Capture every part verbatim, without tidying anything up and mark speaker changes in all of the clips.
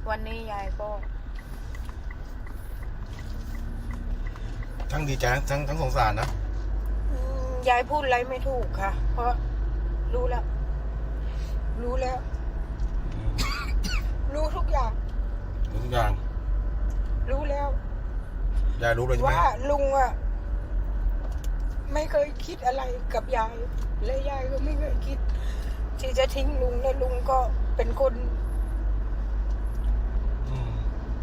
Speaker 1: วันนี้ยายก็
Speaker 2: ทั้งดีใจทั้งทั้งสงสารนะ
Speaker 1: ยายพูดอะไรไม่ถูกค่ะ เพราะรู้แล้ว รู้แล้ว รู้ทุกอย่าง
Speaker 2: รู้ทุกอย่าง
Speaker 1: รู้แล้ว
Speaker 2: ยายรู้เลยใช่ไหม
Speaker 1: ว่าลุงอะไม่เคยคิดอะไรกับยาย และยายก็ไม่เคยคิด ที่จะทิ้งลุงและลุงก็เป็นคน
Speaker 2: อืม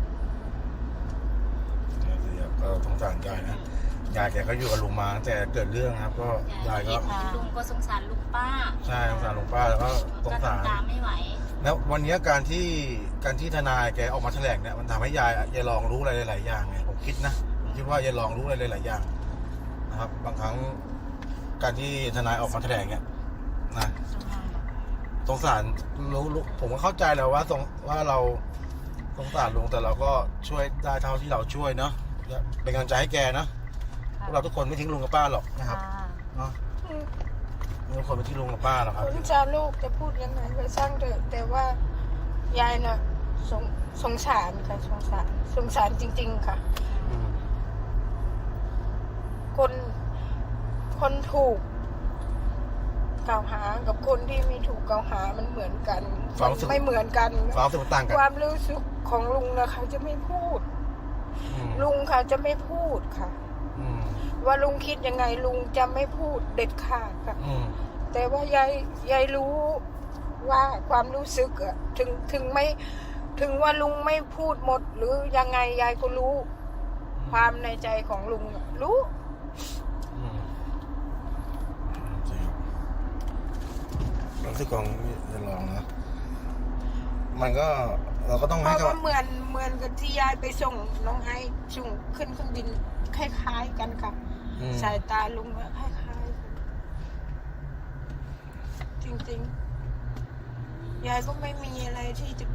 Speaker 2: ก็สงสารยายนะยายแกก็อยู่กับลุงมาตั้งแต่เกิดเรื่องครับ ก็ยายก็
Speaker 3: ลุงก็สงสารลุงป้า
Speaker 2: ใช่สงสารลุงป้าแล้วก็สงสาร
Speaker 3: ตามไม่ไหว
Speaker 2: แล้ววันนี้การที่การที่ทนายแกออกมาแถลงเนี่ยมันทำให้ยายยายลองรู้อะไรหลายๆอย่างไงผมคิดนะผมคิดว่ายายลองรู้อะไรหลายๆอย่างนะครับ บางครั้งการที่ทนายออกมาแถลงเนี่ยนะสงสารรู้รู้ผมก็เข้าใจแล้วว่าสงว่าเราสงสารลุงแต่เราก็ช่วยได้เท่าที่เราช่วยเนาะเป็นกำลังใจให้แกนะพวกเราทุกคนไม่ทิ้งลุงกับป้าหรอกนะครับเนาะทุกคนไม่ทิ้งลุงกับป้าหรอกครับ
Speaker 1: คุณชาลูกจะพูดยังไงก็ช่างเถอะแต่ว่ายายน่ะสงสงสารค่ะสงสารสงสารจริงๆค่ะคนคนถูกกล่าวหากับคนที่ไม่ถูกกล่าวหามันเหมือนกันมันไม่เหมือนกัน
Speaker 2: ความรู้สึกต่างกัน
Speaker 1: ความรู้สึกของลุงนะเขาจะไม่พูดลุงเขาจะไม่พูดค่ะว่าลุงคิดยังไงลุงจะไม่พูดเด็ดขาดค่ะแต่ว่ายายยายรู้ว่าความรู้สึกอะถึงถึงไม่ถึงว่าลุงไม่พูดหมดหรือยังไงยายก็รู้ความในใจของลุงรู้
Speaker 2: รู้สึกของจะลองนะมันก็เราก็ต้อง
Speaker 1: เพราะว่าเหมือนเหมือนกับที่ยายไปส่งน้องไอ้ส่งขึ้นเครื่องบินคล้ายๆกันค่ะสายตาลุงคล้ายๆกันจริงๆยายก็ไม่มีอะไรที่จะ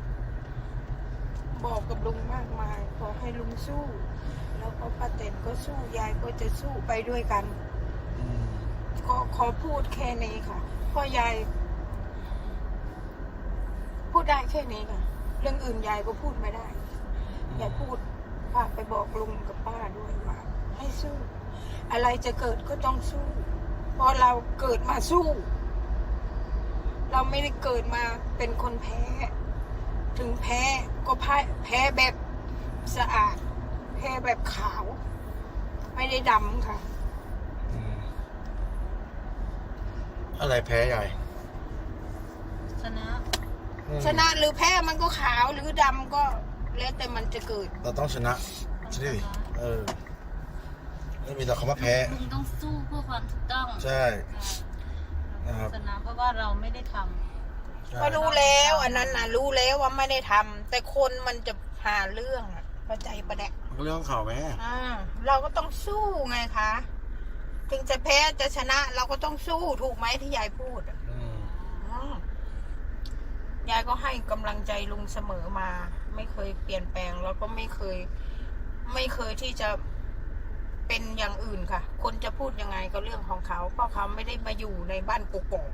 Speaker 1: บอกกับลุงมากมายขอให้ลุงสู้แล้วก็ป้าเต็นก็สู้ยายก็จะสู้ไปด้วยกันก็ขอพูดแค่นี้ค่ะเพราะยายพูดได้แค่นี้ค่ะเรื่องอื่นยายก็พูดไม่ได้ยายพูดฝากไปบอกลุงกับป้าด้วยว่าให้สู้อะไรจะเกิดก็ต้องสู้เพราะเราเกิดมาสู้เราไม่ได้เกิดมาเป็นคนแพ้ถึงแพ้ก็แพ้แพ้แบบสะอาดแพ้แบบขาวไม่ได้ดำค่ะ
Speaker 2: อะไรแพ้ใหญ่
Speaker 3: ชนะ
Speaker 1: ชนะหรือแพ้มันก็ขาวหรือดำก็แล้วแต่มันจะเกิด
Speaker 2: เราต้องชนะใช่ไหมเออไม่มีแต่คำว่าแพ้
Speaker 3: ลุงต้องสู้เพื่อความถูกต้อง
Speaker 2: ใช่นะครับ
Speaker 3: ชนะเพราะว่าเราไม่ได้ทำ
Speaker 1: ก็รู้แล้วอันนั้นน่ะรู้แล้วว่าไม่ได้ทำแต่คนมันจะหาเรื่องเข้าใจปะเนี่ย
Speaker 2: เรื่องข่าวแม่
Speaker 1: อ่าเราก็ต้องสู้ไงคะถึงจะแพ้จะชนะเราก็ต้องสู้ถูกไหมที่ยายพูดยายก็ให้กำลังใจลุงเสมอมาไม่เคยเปลี่ยนแปลงแล้วก็ไม่เคยไม่เคยที่จะเป็นอย่างอื่นค่ะคนจะพูดยังไงก็เรื่องของเขาเพราะเขาไม่ได้มาอยู่ในบ้านกกอก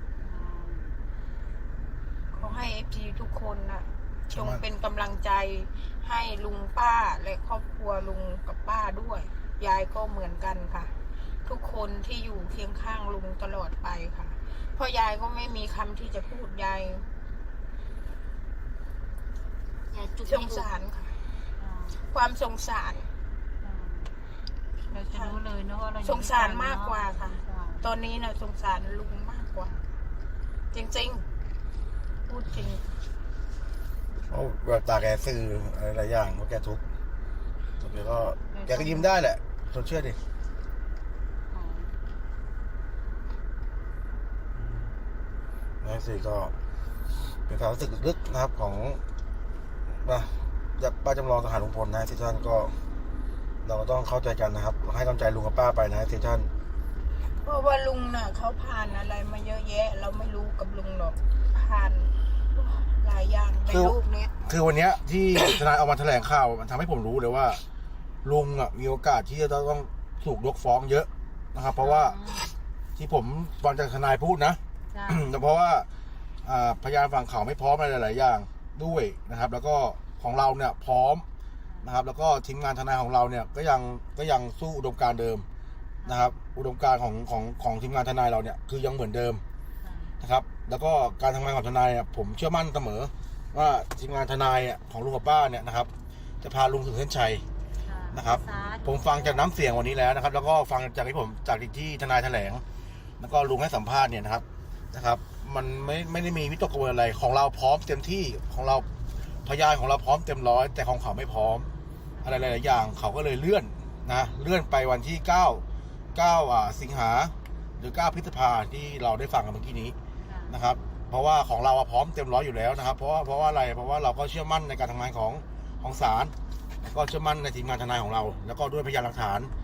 Speaker 1: เขาให้เอฟซีทุกคนนะจงเป็นกำลังใจให้ลุงป้าและครอบครัวลุงกับป้าด้วยยายก็เหมือนกันค่ะทุกคนที่อยู่เคียงข้างลุงตลอดไปค่ะเพราะยายก็ไม่มีคำที่จะพูดยายสงสารค่ะความสงสาร
Speaker 3: เราจะรู้เลยนะว่าเรา
Speaker 1: สงสารมากกว่าค่ะตอนนี้นะสงสารลุงมากกว่าจริงๆพูดจริง
Speaker 2: เพราะแบบตาแกซื่ออะไรหลายอย่างว่าแกทุกข์แกก็แกก็ยิ้มได้แหละทนเชื่อดินี่สิก็เป็นความรู้สึกลึกนะครับของนะจากป้าจำลองทหารลุงพลนะที่ท่านก็เราก็ต้องเข้าใจกันนะครับให้กำลังใจลุงกับป้าไปนะที่ท่าน
Speaker 1: เพราะว่าลุงน่ะเขาผ่านอะไรมาเยอะแยะเราไม่รู้กับลุงหรอกผ่านหลายอย่างในโลกนี้
Speaker 2: คือวันนี้ที่ทนายออกมาแถลงข่าวมันทำให้ผมรู้เลยว่าลุงอ่ะมีโอกาสที่จะต้องถูกยกฟ้องเยอะนะครับเพราะว่าที่ผมฟังจากทนายพูดนะแต่เพราะว่าพยานฝั่งเขาไม่พร้อมอะไรหลายๆอย่างด้วยนะครับ แล้วก็ของเราเนี่ยพร้อมนะครับ แล้วก็ทีมงานทนายของเราเนี่ยก็ยังก็ยังสู้อุดมการณ์เดิมนะครับ อุดมการณ์ของของของทีมงานทนายเราเนี่ยคือยังเหมือนเดิมนะครับ แล้วก็การทำงานของทนายอ่ะผมเชื่อมั่นเสมอว่าทีมงานทนายอ่ะของลุงกับป้าเนี่ยนะครับ จะพาลุงถึงเส้นชัยนะครับ ผมฟังจากน้ำเสียงวันนี้แล้วนะครับ แล้วก็ฟังจากที่ผมจากที่ทนายแถลง แล้วก็ลุงให้สัมภาษณ์เนี่ยนะครับนะครับ มันไม่ไม่ได้มีวิตกกังวลอะไรของเราพร้อมเต็มที่ของเราพยานของเราพร้อมเต็มร้อยแต่ของเขาไม่พร้อมอะไรหลายๆอย่างเขาก็เลยเลื่อนนะเลื่อนไปวันที่เก้าเก้าอ่าสิงหาหรือเก้าพฤษภาที่เราได้ฟังกันเมื่อกี้นี้นะครับ เพราะว่าของเราพร้อมเต็มร้อยอยู่แล้วนะครับ เพราะว่าเพราะว่าอะไรเพราะว่าเราก็เชื่อมั่นในการทำงานของของศาลแล้วก็เชื่อมั่นในทีมงานทนายของเรา แล้วก็ด้วยพยานหลักฐาน